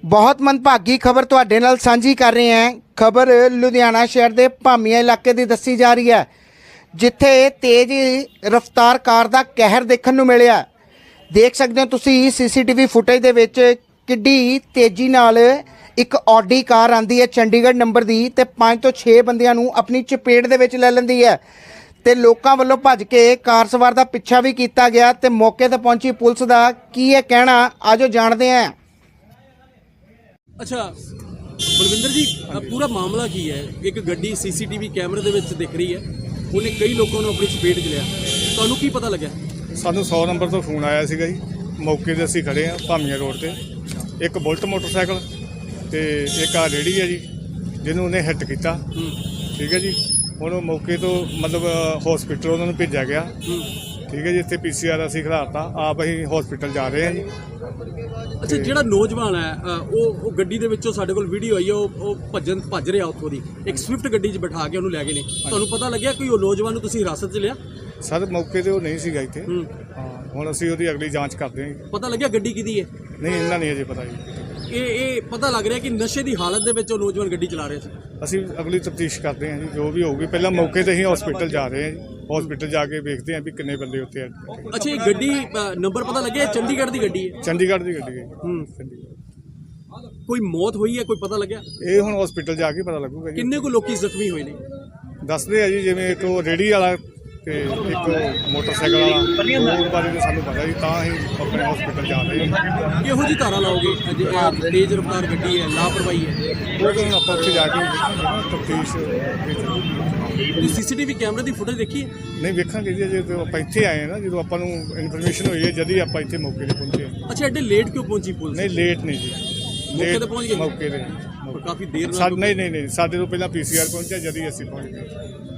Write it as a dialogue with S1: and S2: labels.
S1: ਬਹੁਤ ਮੰਦਭਾਗੀ ਖਬਰ ਤੁਹਾਡੇ ਨਾਲ ਸਾਂਝੀ ਕਰ ਰਹੇ ਹਾਂ। ਖਬਰ ਲੁਧਿਆਣਾ ਸ਼ਹਿਰ ਦੇ ਭਾਮੀਆਂ ਇਲਾਕੇ ਦੀ ਦੱਸੀ ਜਾ ਰਹੀ ਹੈ, ਜਿੱਥੇ ਤੇਜ਼ ਰਫ਼ਤਾਰ ਕਾਰ ਦਾ ਕਹਿਰ ਦੇਖਣ ਨੂੰ ਮਿਲਿਆ। ਦੇਖ ਸਕਦੇ ਹੋ ਤੁਸੀਂ ਸੀਸੀਟੀਵੀ ਫੁਟੇਜ ਦੇ ਵਿੱਚ ਕਿੱਡੀ ਤੇਜ਼ੀ ਨਾਲ ਇੱਕ ਆਡੀ ਕਾਰ ਆਂਦੀ ਹੈ ਚੰਡੀਗੜ੍ਹ ਨੰਬਰ ਦੀ ਤੇ 5 ਤੋਂ 6 ਬੰਦਿਆਂ ਨੂੰ ਆਪਣੀ ਚਪੇਟ ਦੇ ਵਿੱਚ ਲੈ ਲੈਂਦੀ ਹੈ ਤੇ ਲੋਕਾਂ ਵੱਲੋਂ ਭੱਜ ਕੇ ਕਾਰ ਸਵਾਰ ਦਾ ਪਿੱਛਾ ਵੀ ਕੀਤਾ ਗਿਆ ਤੇ ਮੌਕੇ ਤੇ ਪਹੁੰਚੀ ਪੁਲਿਸ ਦਾ ਕੀ ਹੈ ਕਹਿਣਾ, ਆਜੋ ਜਾਣਦੇ ਹਾਂ।
S2: अच्छा बलविंदर जी, पूरा मामला की है? एक गड्डी सीसीटीवी कैमरे ਦੇ ਵਿੱਚ ਦਿਖ ਰਹੀ ਹੈ, ਉਹਨੇ ਕਈ ਲੋਕਾਂ ਨੂੰ ਆਪਣੀ ਚਪੇਟ 'ਚ ਲਿਆ। ਤੁਹਾਨੂੰ ਕੀ ਪਤਾ ਲੱਗਿਆ?
S3: ਸਾਨੂੰ 100 ਨੰਬਰ ਤੋਂ ਫੋਨ ਆਇਆ ਸੀਗਾ ਜੀ। ਮੌਕੇ 'ਤੇ ਅਸੀਂ ਖੜੇ ਹਾਂ ਭਾਮੀਆਂ ਰੋਡ ਤੇ। ਇੱਕ ਬੁਲਟ ਮੋਟਰਸਾਈਕਲ ਤੇ ਇੱਕ ਆ ਰੇਹੜੀ ਹੈ ਜੀ, ਜਿਹਨੂੰ ਉਹਨੇ ਹਿੱਟ ਕੀਤਾ। ਠੀਕ ਹੈ ਜੀ। ਹੁਣ ਉਹ ਮੌਕੇ ਤੋਂ ਮਤਲਬ ਹਸਪੀਟਲ ਉਹਨਾਂ ਨੂੰ ਭੇਜਿਆ ਗਿਆ। ਠੀਕ ਹੈ ਜੀ। ਇੱਥੇ PCR ਅਸੀਂ ਖੜਾਤਾ, ਆਪ ਅਸੀਂ ਹਸਪੀਟਲ ਜਾ ਰਹੇ ਹਾਂ ਜੀ।
S2: ਅੱਛਾ, ਜਿਹੜਾ ਨੌਜਵਾਨ ਹੈ ਉਹ ਗੱਡੀ ਦੇ ਵਿੱਚੋਂ ਸਾਡੇ ਕੋਲ ਵੀਡੀਓ ਆਈ ਹੈ, ਉਹ ਭੱਜ ਰਿਹਾ ਉੱਥੋਂ ਦੀ। ਇੱਕ ਸਵਿਫਟ ਗੱਡੀ 'ਚ ਬਿਠਾ ਕੇ ਉਹਨੂੰ ਲੈ ਗਏ ਨੇ। ਤੁਹਾਨੂੰ ਪਤਾ ਲੱਗਿਆ ਕੋਈ ਉਹ ਨੌਜਵਾਨ ਨੂੰ ਤੁਸੀਂ ਹਿਰਾਸਤ 'ਚ ਲਿਆ?
S3: ਸਰ ਮੌਕੇ 'ਤੇ ਉਹ ਨਹੀਂ ਸੀਗਾ ਇੱਥੇ। ਹਾਂ, ਹੁਣ ਅਸੀਂ ਉਹਦੀ ਅਗਲੀ ਜਾਂਚ ਕਰਦੇ ਹਾਂ।
S2: ਪਤਾ ਲੱਗਿਆ ਗੱਡੀ ਕਿਹਦੀ ਹੈ?
S3: ਨਹੀਂ, ਇਹਨਾਂ ਨਹੀਂ ਅਜੇ ਪਤਾ ਜੀ।
S2: ਇਹ ਪਤਾ ਲੱਗ ਰਿਹਾ ਕਿ ਨਸ਼ੇ ਦੀ ਹਾਲਤ ਦੇ ਵਿੱਚ ਉਹ ਨੌਜਵਾਨ ਗੱਡੀ ਚਲਾ ਰਿਹਾ ਸੀ।
S3: ਅਸੀਂ ਅਗਲੀ ਤਫਤੀਸ਼ ਕਰਦੇ ਹਾਂ ਜੀ, ਜੋ ਵੀ ਹੋਊਗੀ। ਪਹਿਲਾਂ ਮੌਕੇ 'ਤੇ ਹੀ ਹਸਪੀਟਲ ਜਾ ਰਹੇ ਹਾਂ ਜੀ। ਹਸਪੀਟਲ ਜਾ ਕੇ ਵੇਖਦੇ ਹਾਂ ਵੀ ਕਿੰਨੇ ਬੰਦੇ ਉੱਥੇ ਆ।
S2: ਅੱਛਾ, ਇਹ ਗੱਡੀ ਨੰਬਰ ਪਤਾ ਲੱਗਿਆ ਚੰਡੀਗੜ੍ਹ ਦੀ ਗੱਡੀ ਹੈ?
S3: ਚੰਡੀਗੜ੍ਹ ਦੀ ਗੱਡੀ ਹੈ। ਚੰਡੀਗੜ੍ਹ।
S2: ਕੋਈ ਮੌਤ ਹੋਈ ਹੈ, ਕੋਈ ਪਤਾ ਲੱਗਿਆ?
S3: ਇਹ ਹੁਣ ਹਸਪੀਟਲ ਜਾ ਕੇ ਪਤਾ ਲੱਗੂਗਾ ਜੀ।
S2: ਕਿੰਨੇ ਕੁ ਲੋਕੀ ਜ਼ਖਮੀ ਹੋਏ ਨੇ?
S3: ਦੱਸਦੇ ਆ ਜੀ, ਜਿਵੇਂ ਇੱਕ ਉਹ ਰੇਹੜੀ ਵਾਲਾ ਤੇ ਇੱਕ ਮੋਟਰਸਾਈਕਲ ਵਾਲਾ। ਉਹ ਬਾਰੇ ਤਾਂ ਸਾਨੂੰ ਪਤਾ ਜੀ, ਤਾਂ ਅਸੀਂ ਆਪਣੇ ਹਸਪੀਟਲ ਜਾ ਰਹੇ ਹਾਂ।
S2: ਕਿਹੋ ਜਿਹੀ ਧਾਰਾ ਲਾਓਗੇ? ਤੇਜ਼ ਰਫ਼ਤਾਰ ਗੱਡੀ ਹੈ, ਲਾਪਰਵਾਹੀ ਹੈ?
S3: ਉਹ ਤਾਂ ਹੁਣ ਆਪਾਂ ਉੱਥੇ ਜਾ ਕੇ ਤਫਤੀਸ਼
S2: ਸੀਸੀਟੀਵੀ ਕੈਮਰੇ ਦੀ ਫੁਟੇਜ ਦੇਖੀ ਹੈ?
S3: ਨਹੀਂ ਵੇਖਾਂਗੇ ਜੀ। ਜਦੋਂ ਆਪਾਂ ਇੱਥੇ ਆਏ ਹਾਂ ਨਾ, ਜਦੋਂ ਆਪਾਂ ਨੂੰ ਇਨਫੋਰਮੇਸ਼ਨ ਹੋਈ ਹੈ, ਜਦ ਹੀ ਆਪਾਂ ਇੱਥੇ ਮੌਕੇ 'ਤੇ ਪਹੁੰਚੇ।
S2: ਅੱਛਾ, ਐਡੇ ਲੇਟ ਕਿਉਂ ਪਹੁੰਚੀ ਪੁਲਿਸ?
S3: ਨਹੀਂ, ਲੇਟ ਨਹੀਂ ਜੀ।
S2: ਮੌਕੇ ਤੇ ਪਹੁੰਚ ਗਏ?
S3: ਮੌਕੇ 'ਤੇ
S2: ਕਾਫੀ ਦੇਰ ਨਾਲ?
S3: ਨਹੀਂ, ਸਾਡੇ ਤੋਂ ਪਹਿਲਾਂ PCR ਪਹੁੰਚਿਆ, ਜਦ ਹੀ ਅਸੀਂ ਪਹੁੰਚ ਗਏ।